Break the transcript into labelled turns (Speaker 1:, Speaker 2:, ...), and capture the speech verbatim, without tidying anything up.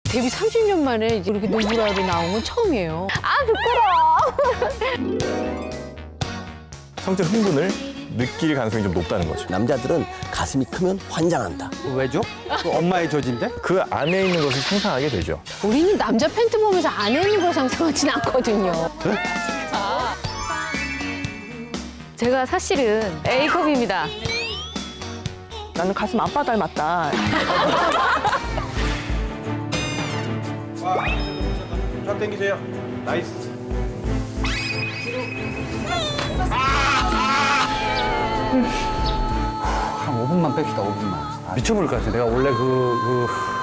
Speaker 1: 데뷔 삼십 년 만에 이제 이렇게 노브라로 나온 건 처음이에요. 아, 부끄러워.
Speaker 2: 성적 흥분을 느낄 가능성이 좀 높다는 거죠.
Speaker 3: 남자들은 가슴이 크면 환장한다.
Speaker 4: 왜죠? 그 엄마의 저지인데?
Speaker 2: 그 안에 있는 것을 상상하게 되죠.
Speaker 1: 우리는 남자 팬트 보면서 안에 있는 걸 상상하진 않거든요.
Speaker 5: 제가 사실은 A컵입니다.
Speaker 6: 나는 가슴 아빠 닮았다.
Speaker 2: 쫙 당기세요. 나이스.
Speaker 4: 한 오 분만 뺍시다, 오 분만. 미쳐버릴 것 같아. 내가 원래 그, 그